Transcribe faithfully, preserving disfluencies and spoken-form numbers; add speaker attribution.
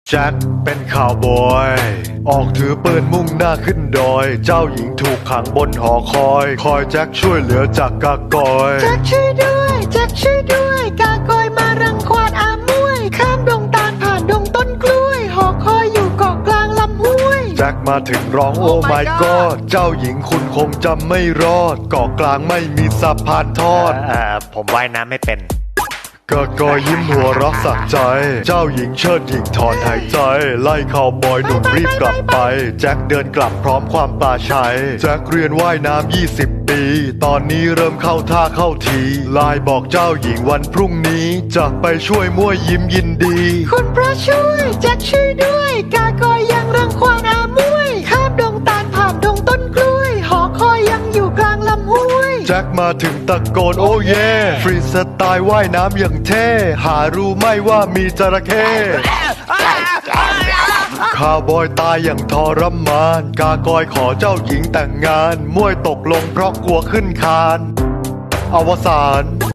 Speaker 1: แจ็คเป็นข่าวบอยออกถือปืนมุ่งหน้าขึ้นดอยเจ้าหญิงถูกขังบนหอคอยคอยแจ็คช่วยเหลือจากกากอย
Speaker 2: แจ็คช่วยด้วยแจ็คช่วยด้วยกากอยมารังควานอามวยข้ามดงตาลผ่านดงต้นกล้วยหอคอยอยู่เกาะกลางลำห้วย
Speaker 1: แจ็คมาถึงร้องโอ้ my god เจ้าหญิงคุณคงจำไม่รอดเกาะกลางไม่มีสะพานทอด
Speaker 3: เอ่อผมว่ายน้ำไม่เป็น
Speaker 1: กากอยยิ้มหัวเรักสักใจเจ้าหญิงเชิดหญิงถอนหายใจไล่ข่าวบอยหนุ่มรีบกลับไปแจ็คเดินกลับพร้อมความปลาชัยแจ็คเรียนว่ายน้ำยี่สิบปีตอนนี้เริ่มเข้าท่าเข้าทีไลน์บอกเจ้าหญิงวันพรุ่งนี้จะไปช่วยมั่วยิ้มยินดี
Speaker 2: คุณพระช่วยแจ็คช่วยด้วยกากอยยังรังควานอามวยข้ามดงตาลผ่านดงต้นกล้วยหอคอยยังอยู่กลางลำห้วย
Speaker 1: แจ็คมาถึงตะโกนโอ้เย่ฟรีสไตล์ว่ายน้ำอย่างเท่หารู้ไหมว่ามีจระเข้ข้าวบอยตายอย่างทรมานกากอยขอเจ้าหญิงแต่งงานมวยตกลงเพราะกลัวขึ้นคานอวสาน